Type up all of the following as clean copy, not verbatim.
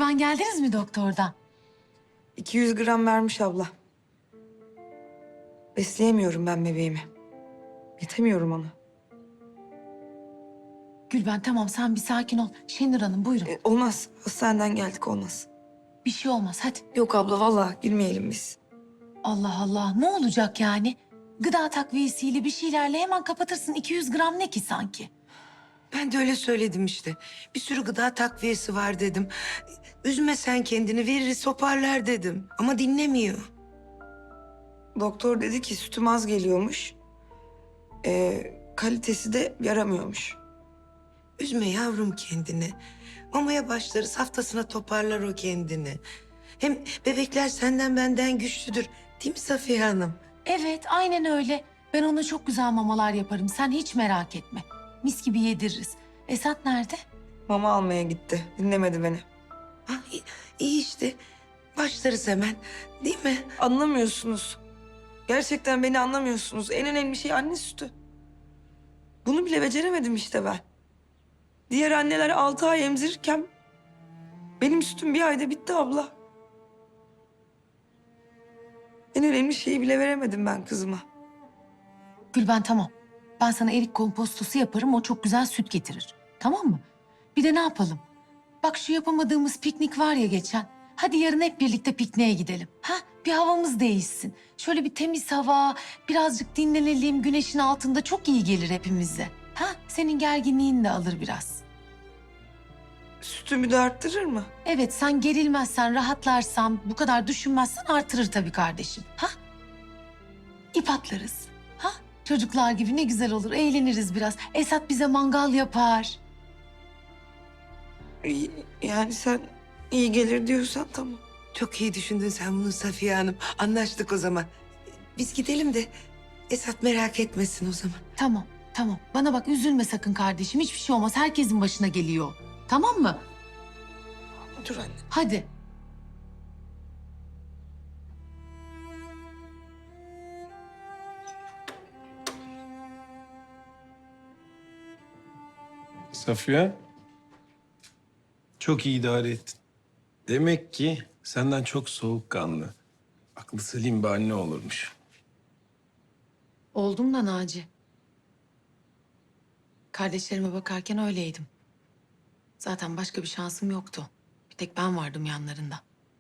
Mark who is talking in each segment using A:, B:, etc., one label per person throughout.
A: Gülben geldiniz mi doktordan?
B: 200 gram vermiş abla. Besleyemiyorum ben bebeğimi. Yetemiyorum ona.
A: Gülben tamam sen bir sakin ol. Şenur Hanım buyurun.
B: Olmaz. Hastaneden geldik, olmaz.
A: Bir şey olmaz hadi.
B: Yok abla, vallahi girmeyelim biz.
A: Allah Allah ne olacak yani? Gıda takviyesiyle bir şeylerle hemen kapatırsın. 200 gram ne ki sanki?
C: Ben de öyle söyledim işte. Bir sürü gıda takviyesi var dedim. Üzme sen kendini, veririz toparlar dedim. Ama dinlemiyor.
B: Doktor dedi ki sütüm az geliyormuş. Kalitesi de yaramıyormuş.
C: Üzme yavrum kendini. Mamaya başlarız, haftasına toparlar o kendini. Hem bebekler senden benden güçlüdür. Değil mi Safiye Hanım?
A: Evet aynen öyle. Ben ona çok güzel mamalar yaparım. Sen hiç merak etme. Mis gibi yediririz. Esat nerede?
B: Mama almaya gitti. Dinlemedi beni.
C: Ha, iyi işte. Başlarız hemen. Değil mi?
B: Anlamıyorsunuz. Gerçekten beni anlamıyorsunuz. En önemli şey anne sütü. Bunu bile beceremedim işte ben. Diğer anneler 6 ay emzirirken benim sütüm bir ayda bitti abla. En önemli şeyi bile veremedim ben kızıma.
A: Gülben tamam. Ben sana erik kompostosu yaparım. O çok güzel süt getirir. Tamam mı? Bir de ne yapalım? Bak şu yapamadığımız piknik var ya geçen. Hadi yarın hep birlikte pikniğe gidelim. Ha? Bir havamız değişsin. Şöyle bir temiz hava, birazcık dinlenelim. Güneşin altında çok iyi gelir hepimize. Ha? Senin gerginliğin de alır biraz.
B: Sütümü de arttırır mı?
A: Evet sen gerilmezsen, rahatlarsan, bu kadar düşünmezsen artırır tabii kardeşim. Ha? İp atlarız. Ha? Çocuklar gibi ne güzel olur. Eğleniriz biraz. Esat bize mangal yapar.
B: Yani sen iyi gelir diyorsan tamam.
C: Çok iyi düşündün sen bunu Safiye Hanım. Anlaştık o zaman. Biz gidelim de Esat merak etmesin o zaman.
A: Tamam, tamam. Bana bak üzülme sakın kardeşim. Hiçbir şey olmaz. Herkesin başına geliyor. Tamam mı?
B: Dur anne.
A: Hadi.
D: Safiye, çok iyi idare ettin. Demek ki senden çok soğukkanlı, aklı selim bir anne olurmuş.
A: Oldum da Naci. Kardeşlerime bakarken öyleydim. Zaten başka bir şansım yoktu. Bir tek ben vardım yanlarında.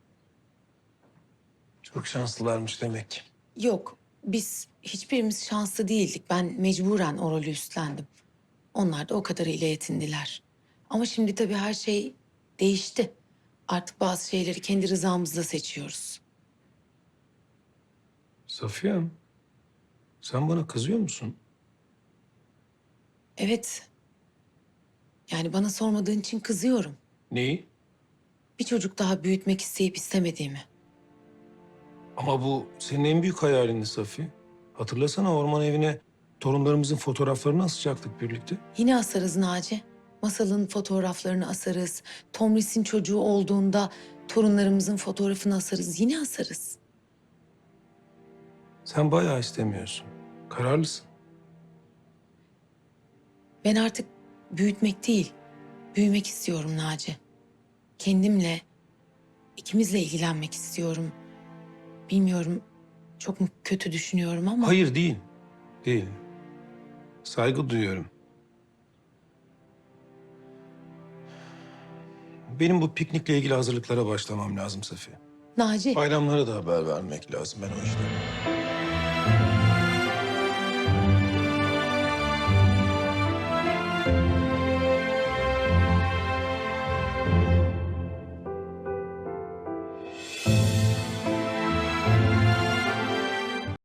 D: Çok şanslılarmış demek ki.
A: Yok, biz hiçbirimiz şanslı değildik. Ben mecburen o rolü üstlendim. Onlar da o kadarıyla yetindiler. Ama şimdi tabii her şey değişti. Artık bazı şeyleri kendi rızamızla seçiyoruz.
D: Safiye, sen bana kızıyor musun?
A: Evet. Yani bana sormadığın için kızıyorum.
D: Neyi?
A: Bir çocuk daha büyütmek isteyip istemediğimi.
D: Ama bu senin en büyük hayalindi Safiye. Hatırlasana orman evine torunlarımızın fotoğraflarını asacaktık birlikte.
A: Yine asarız Naci. Masalın fotoğraflarını asarız. Tomris'in çocuğu olduğunda torunlarımızın fotoğrafını asarız. Yine asarız.
D: Sen bayağı istemiyorsun. Kararlısın.
A: Ben artık büyütmek değil, büyümek istiyorum Naci. Kendimle, ikimizle ilgilenmek istiyorum. Bilmiyorum, çok mu kötü düşünüyorum ama...
D: Hayır değil. Değil. Saygı duyuyorum. Benim bu piknikle ilgili hazırlıklara başlamam lazım Safiye.
A: Naci,
D: Bayramlara da haber vermek lazım ben o yüzden.